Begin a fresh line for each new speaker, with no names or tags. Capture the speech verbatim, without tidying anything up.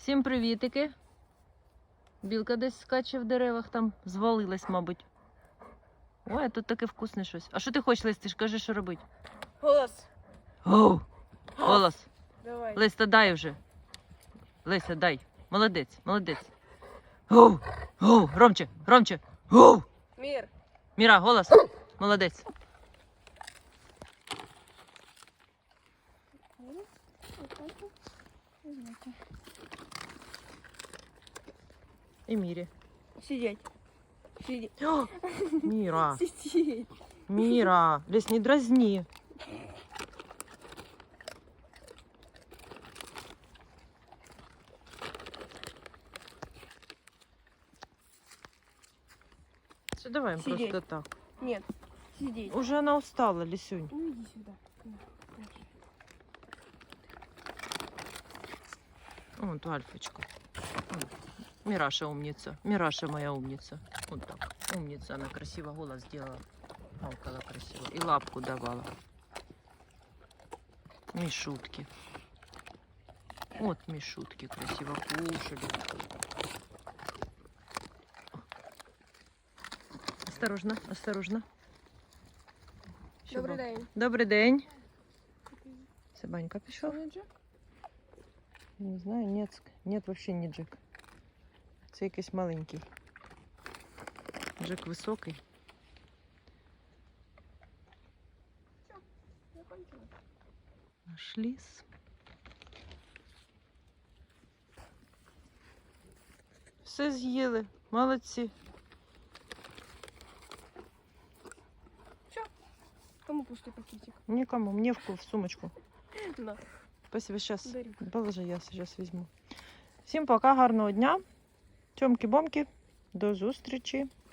Всім привітики. Білка десь скаче в деревах, там звалилась, мабуть. Ой, а тут таке вкусне щось. А що ти хочеш, Лесь? Ти ж кажи, що робити.
Голос.
Оу! Голос.
Давай.
Леся, дай вже. Леся, дай. Молодець, молодець. Оу! Оу! Громче, громче. Оу!
Мир.
Міра, голос. Молодець. І Мірі.
Сидеть. Сидеть.
О, Міра,
Сидеть.
Міра, Лесь, не дразні. Все, давай
Сидеть.
просто так.
Нет. Сидеть.
Уже она устала, Лисюнь.
Ну иди сюда.
Вот Альфочка. Мираша умница. Мираша моя умница. Вот так. Умница. Она красиво голос сделала. Гавкала красиво. И лапку давала. Мишутки. Вот мишутки красиво кушали. Осторожно, осторожно.
Добрий день.
Добрий день. Собанька пішов.
Що, Джек?
Я не знаю, нет, нет, вообще не Джек. Це якийсь маленький. Джек високий. Наш ліс. Все з'їли. Молодці.
Кому пустий пакетик?
Нікому. Мені в, в сумочку.
На.
Спасибо, сейчас.
Дарю.
Положи, я сейчас візьму. Всім пока, гарного дня. Тьомки-бомки. До зустрічі.